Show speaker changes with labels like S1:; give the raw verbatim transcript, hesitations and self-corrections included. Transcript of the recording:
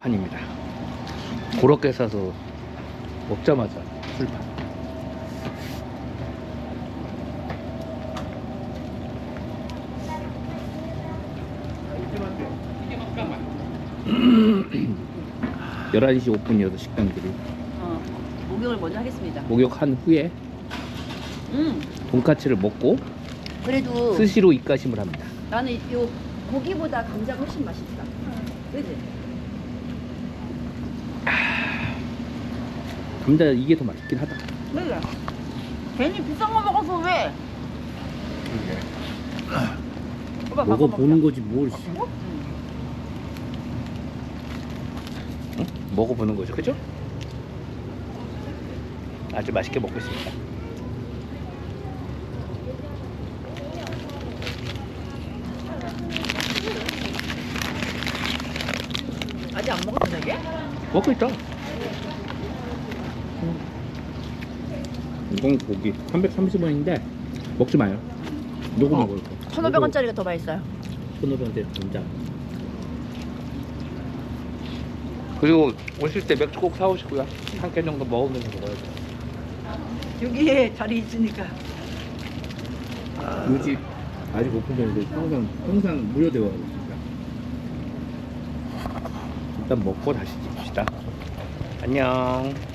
S1: 판입니다. 그렇게 사서 먹자마자 술판. 열한 시 오픈이어서 식당들이
S2: 어, 목욕을 먼저 하겠습니다.
S1: 목욕한 후에
S2: 음,
S1: 돈까츠를 먹고
S2: 그래도
S1: 스시로 입가심을 합니다.
S2: 나는 요 고기보다 감자가 훨씬 맛있다. 그지?
S1: 감자 이게 더 맛있긴 하다.
S2: 그래. 괜히 비싼 거 먹어서 왜? 오빠 바꿔
S1: 먹어보는
S2: 먹자.
S1: 거지 뭘.
S2: 응.
S1: 응? 먹어보는 거죠, 그죠? 아주 맛있게 먹고 있습니다.
S2: 아직 안 먹었어 이게?
S1: 먹고 있다. 이건 고기 삼백삼십 원인데 먹지 마요. 요거
S2: 어.
S1: 먹을 거.
S2: 천오백 원짜리가 더 맛있어요.
S1: 천오백 원짜리 감자. 그리고 오실 때 맥주 꼭 사오시고요. 한 캔 정도 먹으면서 먹어야죠.
S2: 여기에 자리 있으니까.
S1: 이 집 아직 오픈되는데 항상 항상 무료되어 있습니다. 일단 먹고 다시 집시다. 안녕.